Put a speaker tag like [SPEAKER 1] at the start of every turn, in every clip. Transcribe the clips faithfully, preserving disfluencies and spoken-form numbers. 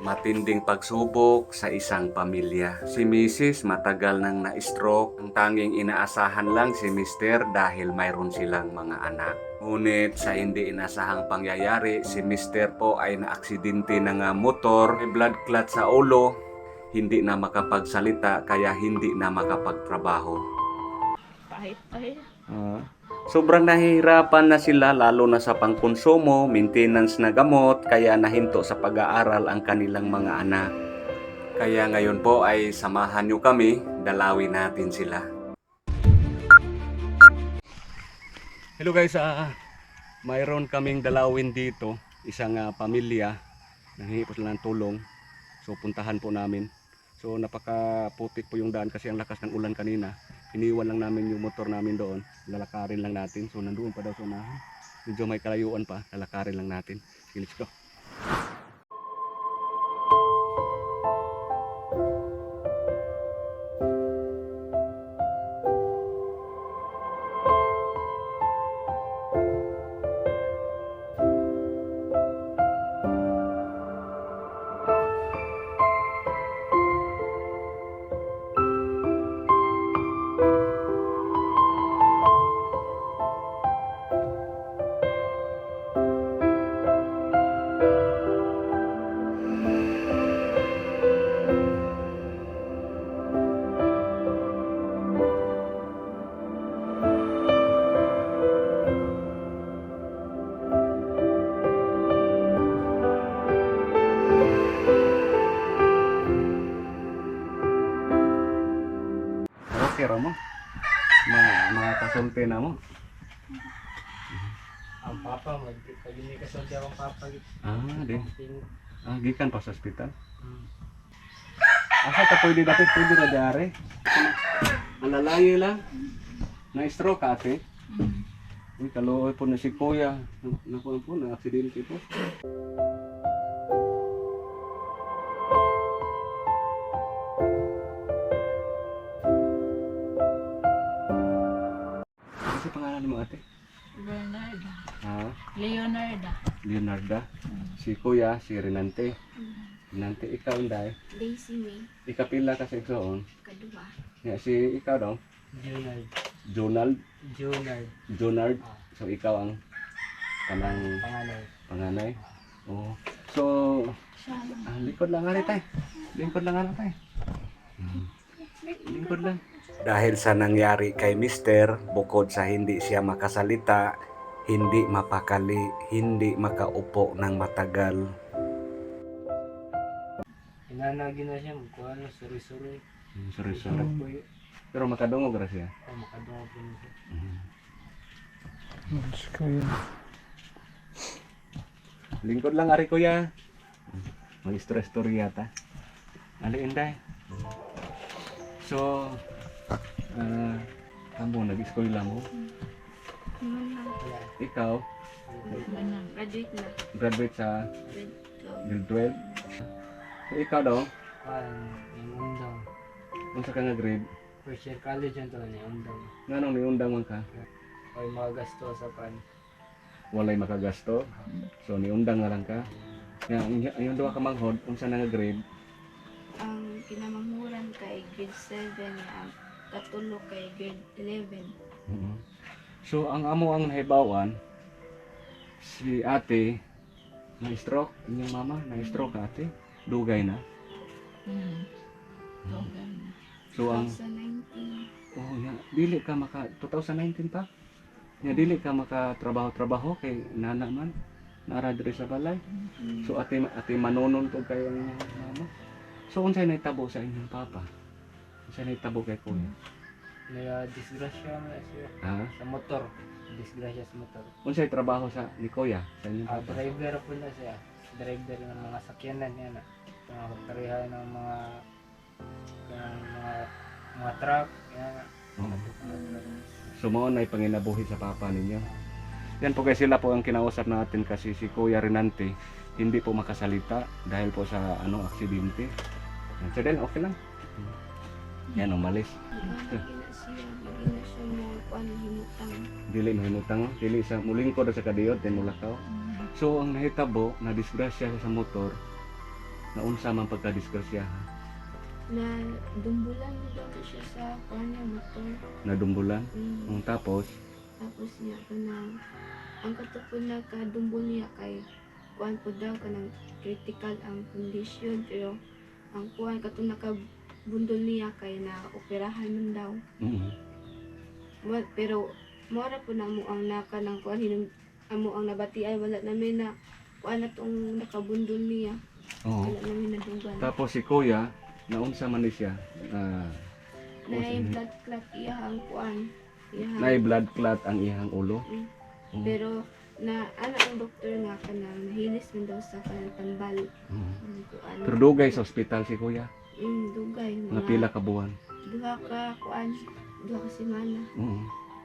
[SPEAKER 1] Matinding pagsubok sa isang pamilya. Si Missus matagal nang na-stroke. Ang tanging inaasahan lang si Mister dahil mayroon silang mga anak. Ngunit sa hindi inasahang pangyayari, si Mister po ay naaksidente ng ah, motor, may blood clot sa ulo, hindi na makapagsalita kaya hindi na makapagtrabaho.
[SPEAKER 2] Kahit ay,
[SPEAKER 1] Ah, sobrang nahihirapan na sila lalo na sa pangkonsumo, maintenance na gamot, kaya nahinto sa pag-aaral ang kanilang mga anak. Kaya ngayon po ay samahan nyo kami, dalawin natin sila. Hello guys, ah, mayroon kaming dalawin dito, isang ah, pamilya, nanghihingi po sila ng tulong. So puntahan po namin. So napakaputik po yung daan kasi ang lakas ng ulan kanina. Iniwan lang namin yung motor namin doon. Lalakarin lang natin. So nandoon pa daw sa unahan. Medyo may kalayuan pa. Lalakarin lang natin. Sige, let's go. Okay ra mo. Ma makakasulti na mo.
[SPEAKER 3] Ang papa mo, pag hindi ka sa ang papa git.
[SPEAKER 1] Ah, di.
[SPEAKER 3] Ting-
[SPEAKER 1] Ah, gikan pa sa ospital.
[SPEAKER 3] Hmm.
[SPEAKER 1] Asa ta pwede dapat pwede na diare. Alalayo lang. Na stroke ate.
[SPEAKER 2] mm,
[SPEAKER 1] Uy, kaluoy po na si Kuya. Nakuha po na aksidente po. Ano sa pangalan mo ate?
[SPEAKER 2] Bernarda.
[SPEAKER 1] Ha?
[SPEAKER 2] Leonarda.
[SPEAKER 1] Leonarda.
[SPEAKER 2] Mm.
[SPEAKER 1] Si Kuya, si Renante. Renante, ikaw unday.
[SPEAKER 4] Daisy May,
[SPEAKER 1] Ikapila ka sa igsoon.
[SPEAKER 4] kadua.
[SPEAKER 1] Ya, si ikaw daw.
[SPEAKER 3] Junard.
[SPEAKER 1] Jonald.
[SPEAKER 3] Junard.
[SPEAKER 1] Jonard.
[SPEAKER 3] Ah,
[SPEAKER 1] So ikaw ang kanang
[SPEAKER 3] panganay.
[SPEAKER 1] panganay. Oh. So,
[SPEAKER 4] Siya lang.
[SPEAKER 1] ah, likod lang nga tay. Lingkod lang nga tay. Lingkod lang. Dahil sa nangyari kay Mister, bukod sa hindi siya makasalita, hindi mapakali, hindi makaupo ng matagal.
[SPEAKER 3] Inanagi na siya, magkuha na, suri-suri.
[SPEAKER 1] Hmm, sorry, sorry.
[SPEAKER 3] Po yun.
[SPEAKER 1] Pero makadungog ra siya.
[SPEAKER 3] Oh, makadungo po niya siya.
[SPEAKER 1] Lingkod lang ari kuya. Mag-stress story yata. Ali inday. So, ah, kamu nag-school lang mo.
[SPEAKER 4] Naman lang.
[SPEAKER 3] Wala.
[SPEAKER 1] Ikaw,
[SPEAKER 2] Manang.
[SPEAKER 4] Graduate na.
[SPEAKER 1] graduate sa
[SPEAKER 4] Grade twelve.
[SPEAKER 1] grade twelve. So, ikaw daw,
[SPEAKER 3] Kuhaan, yung undang.
[SPEAKER 1] unsa ka nga grade?
[SPEAKER 3] First year college yun to, yung undang.
[SPEAKER 1] Nganong may undang man ka?
[SPEAKER 3] O yung mga gasto sa pan.
[SPEAKER 1] Walay makagasto. So niundang nga lang ka. Nga yung duha ka manghod, unsa na nga grade?
[SPEAKER 4] Ang kinamanghuran kay grade seven, ang katulo kay grade eleven.
[SPEAKER 1] Mhm. So ang amo ang nahibawan si ate na stroke, inyong mama na stroke ate, dugay na.
[SPEAKER 2] Mm. Togan.
[SPEAKER 1] So ang
[SPEAKER 4] twenty nineteen.
[SPEAKER 1] oh ya, dili ka maka twenty nineteen pa. Ya dili ka makatrabaho-trabaho kay nana man naara diri sa balay.
[SPEAKER 4] Mm.
[SPEAKER 1] So ate ate manonon to kay ang mama. So unsay nahitabo sa inyong papa? Unsay nahitabo kay kuya?
[SPEAKER 3] May uh, disgrasya na siya.
[SPEAKER 1] Ha?
[SPEAKER 3] Sa motor. Disgrasya sa motor.
[SPEAKER 1] Unsay trabaho sa ni kuya sa inyong
[SPEAKER 3] Ah,
[SPEAKER 1] papa?
[SPEAKER 3] driver po na siya. Driver ng mga sakyanan niya na. Mga karihan ng mga ng mga mga truck. Yan.
[SPEAKER 1] Oo. So mao na panginabuhi sa papa ninyo. Yan po guys, sila po ang kinausap natin kasi si Kuya Renante hindi po makasalita dahil po sa ano aksidente. Yan. So then okay lang. Yan umalis.
[SPEAKER 4] Lagi na siya, lagi na siya mo kuan himutang.
[SPEAKER 1] Dili mahimutang, dili sa mulingkod sa kadiyot then mulakaw. So ang nahitabo na disgrasya sa motor Naunsa man pagka-disgrasya ha?
[SPEAKER 4] Na dumbulan mo daw na siya sa kanya motor.
[SPEAKER 1] Nadumbulan.
[SPEAKER 4] Mm.
[SPEAKER 1] Mm, tapos
[SPEAKER 4] Tapos niya ka na, ang katupon na kadumbol niya kay kuan po daw ka ng critical ang condition, pero ang kuan kato nakabundol niya kay na operahan man daw.
[SPEAKER 1] mm,
[SPEAKER 4] Wa- pero mora po na mo ang naka ng kuan hinung amo ang nabati ay wala namin na kuan na tong nakabundol niya.
[SPEAKER 1] oo.
[SPEAKER 4] Wala namin nadugan.
[SPEAKER 1] Tapos si Kuya, naunsa man ni siya? Ah,
[SPEAKER 4] Na yung blood clot iya ang kuan. Iya.
[SPEAKER 1] nay blood clot ang ihang ulo.
[SPEAKER 4] Mm.
[SPEAKER 1] Oo.
[SPEAKER 4] Pero na ano ang doktor nga kanang nahilis man daw sa kanang tambal.
[SPEAKER 1] Oo.
[SPEAKER 4] Ang kuan.
[SPEAKER 1] Pero dugay sa ospital si Kuya.
[SPEAKER 4] Mm, dugay
[SPEAKER 1] Nga pila ka buwan.
[SPEAKER 4] duha ka kuan, duha ka semana.
[SPEAKER 1] Oo.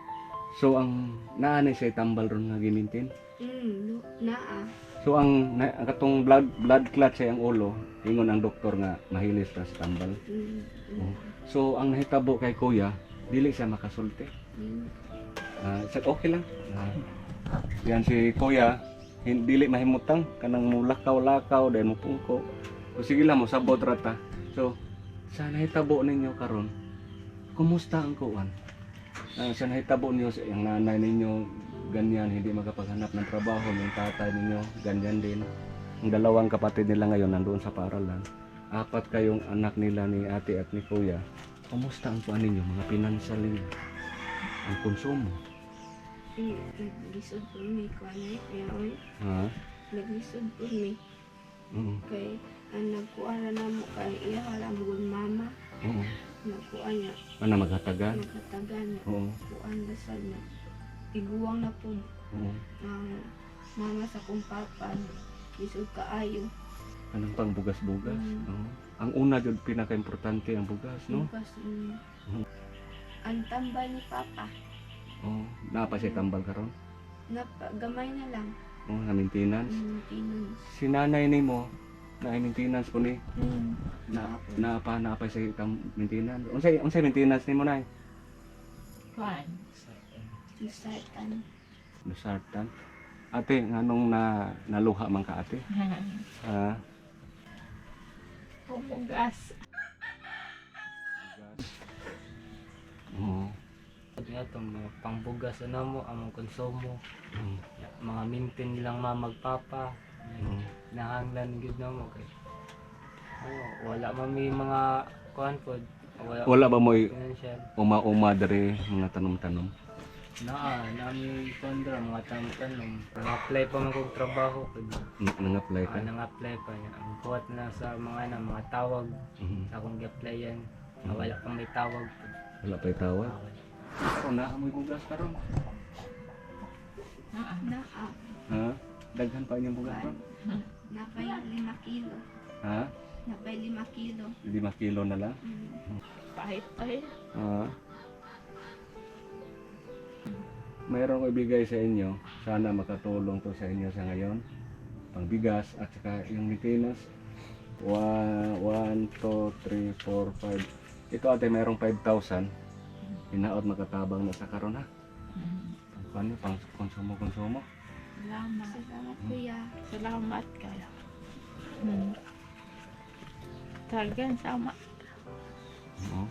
[SPEAKER 1] So ang naanay siya tambal ron nga gimintin.
[SPEAKER 4] Mm, du, naa.
[SPEAKER 1] So ang, na, ang katong blood blood clot sa iyang ulo, ingon ang doktor nga mahilis ra sa tambal.
[SPEAKER 4] Mm,
[SPEAKER 1] Oo.
[SPEAKER 4] mm,
[SPEAKER 1] So ang nahitabo kay Kuya, dili siya makasulti.
[SPEAKER 4] mm.
[SPEAKER 1] Ah, sa okay lang. Ah, yan si Kuya, hin- dili mahimutang kanang mulakaw-lakaw dahil mo pungko. O sige lang mo sabot rata. So sa nahitabo ninyo karon, kumusta ang kuan? Ah, sa nahitabo niyo sa yung nanay ninyo ganyan hindi makapaghanap ng trabaho, yung tatay ninyo ganyan din. Ang dalawang kapatid nila ngayon nandoon sa paaralan. Apat kayong anak nila ni ate at ni Kuya. Kumusta ang kuan ninyo, mga financial ninyo? Ang konsumo?
[SPEAKER 4] Mm, naglisod po mi kuan ay kaya oy,
[SPEAKER 1] Ha?
[SPEAKER 4] naglisod po mi
[SPEAKER 1] Oo.
[SPEAKER 4] kay ang nagkuara na mo kay iya wala mo gud mama.
[SPEAKER 1] Oo.
[SPEAKER 4] Nagkuan niya,
[SPEAKER 1] Ano maghatagan?
[SPEAKER 4] nagkatagan niya.
[SPEAKER 1] Oo.
[SPEAKER 4] Kuan dasal na. Tiguang na po
[SPEAKER 1] Oo.
[SPEAKER 4] ang mama sa kong papa. Lisod kaayo.
[SPEAKER 1] Anong pang bugas-bugas?
[SPEAKER 4] Mm.
[SPEAKER 1] Oo. Ang una jud pinaka-importante ang bugas, no?
[SPEAKER 4] Bukas, mm.
[SPEAKER 1] Mhm.
[SPEAKER 4] Ang tambal ni papa.
[SPEAKER 1] Oo. Napa siya tambal karon?
[SPEAKER 4] Napa, gamay na lang.
[SPEAKER 1] Oo, na maintenance.
[SPEAKER 4] Mm, tinon.
[SPEAKER 1] Si nanay nimo na maintenance po ni
[SPEAKER 4] Mm.
[SPEAKER 1] na napa napa siya tam maintenance. Unsay unsay maintenance nimo nay?
[SPEAKER 2] Kuan.
[SPEAKER 4] Nasartan.
[SPEAKER 1] Lusartan. Ate, nganong na naluha man ka ate? Ha?
[SPEAKER 2] Pumugas.
[SPEAKER 1] Oo.
[SPEAKER 3] Nga itong mga pangbugas na mo, ang mga konsumo,
[SPEAKER 1] Oo.
[SPEAKER 3] mga mintin nilang mamagpapa,
[SPEAKER 1] Oo.
[SPEAKER 3] nahanglan gid na mo kay. Oh, wala man may mga kuan po, wala,
[SPEAKER 1] Wala ba mo'y
[SPEAKER 3] financial.
[SPEAKER 1] uma-uma dere mga tanom-tanom?
[SPEAKER 3] Naa, nami kondra mga tanong-tanong. Nang-apply pa man kong trabaho kay.
[SPEAKER 1] N- Nang-apply ka?
[SPEAKER 3] Ah, nang-apply pa niya. Ang kuwat na sa mga na, mga tawag
[SPEAKER 1] Mhm.
[SPEAKER 3] sa akong gi-applyan. Ah, wala pang may tawag po.
[SPEAKER 1] Wala pa'y tawag?
[SPEAKER 3] Ah, wala.
[SPEAKER 1] So, naamoy bugas karon.
[SPEAKER 2] Ah,
[SPEAKER 4] Naa.
[SPEAKER 1] Ha? Daghan pa inyong bugas ron?
[SPEAKER 4] Napay lima kilo.
[SPEAKER 1] Ha?
[SPEAKER 4] Napay lima kilo.
[SPEAKER 1] Lima kilo na lang?
[SPEAKER 4] Mm.
[SPEAKER 2] pahit ay.
[SPEAKER 1] Ha? Mayroon ko ibigay sa inyo. Sana makatulong to sa inyo sa ngayon. Pangbigas at saka yung maintenance. one, one, two, three, four, five. Ito ate mayroong five thousand. Hinaot makatabang na sa karon ha. Pang ano, pang konsumo-konsumo.
[SPEAKER 2] Salamat.
[SPEAKER 4] Salamat kuya.
[SPEAKER 2] Salamat kayo. Hmm. Talagang sama.
[SPEAKER 1] Oo.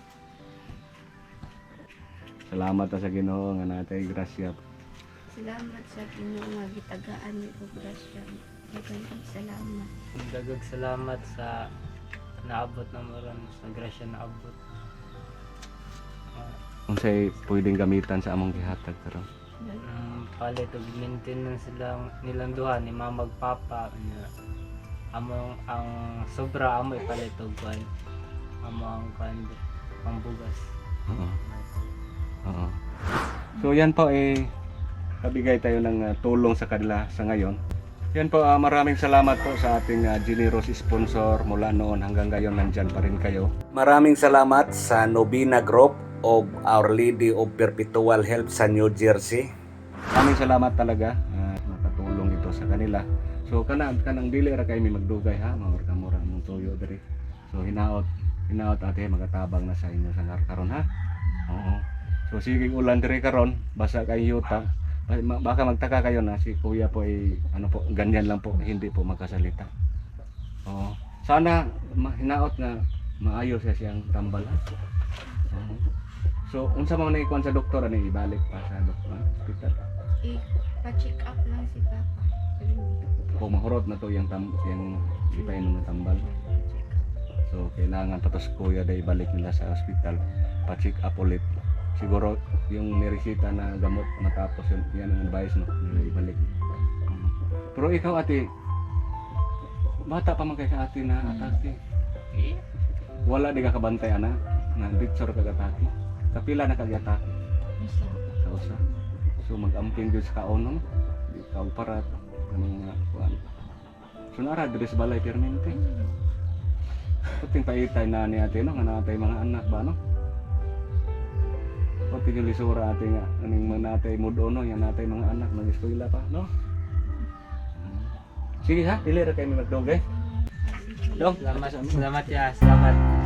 [SPEAKER 1] Salamat ta sa Ginoo nga natay grasya.
[SPEAKER 4] Salamat sa Ginoo nga gitagaan ni ko grasya. Daghang salamat.
[SPEAKER 3] Dagag salamat sa naabot na mo ron, sa grasya na abot. Ah,
[SPEAKER 1] Unsay pwedeng gamitan sa among gihatag karon?
[SPEAKER 3] um, palit og maintenance silang nilang duha ni mama ug papa nya among ang sobra amo ipalit og kuan amo ang kuan pambugas.
[SPEAKER 1] Oo. Oo. So yan po eh kabigay tayo ng ah, tulong sa kanila sa ngayon. Yan po, ah, maraming salamat po sa ating ah, generous sponsor mula noon hanggang ngayon nandyan pa rin kayo. Maraming salamat sa Novena Group of Our Lady of Perpetual Help sa New Jersey. Maraming salamat talaga uh, nakatulong ito sa kanila. So kana kanang dili ra kay mi magdugay ha, mga kamura mong tuyo diri. So hinaot, hinaot ate magatabang na sa inyo sa karon ha. Oo. So sige ulan diri karon, basa kay yuta. Baka magtaka kayo na si Kuya po ay ano po, ganyan lang po, hindi po makasalita. Oo. Sana ma- hinaot nga maayo siya siyang tambal. Ha? Oo. So, unsa man na ikuan sa doktor ani ibalik pa sa doktor hospital.
[SPEAKER 4] I-pa-check up lang si Papa.
[SPEAKER 1] Kung mahurot na to yung tam yung ipainom ng tambal. So, kailangan patos kuya day balik nila sa hospital pa-check up ulit. Siguro yung niresita na gamot matapos yun, yan ang advice no, na ibalik. Mm. Pero ikaw ate, bata pa man kay sa ate na atake.
[SPEAKER 2] Eh,
[SPEAKER 1] Wala di ka kabantay ana, na picture ka atake. Kapila na kag-atake
[SPEAKER 2] isa.
[SPEAKER 1] sa usa. So mag-amping jud sa kaon no. Di ka parat anong mga kuan. So nara diri sa balay permente. Puting paitay na ni ate no, nga natay mga anak ba no? Pati yung lisura ate nga, aning mga natay mudo no, yung natay mga anak nag-eskwela pa no? Sige ha, dili ra kay mi magdogay. Dong,
[SPEAKER 3] Salamat, salamat ya, salamat.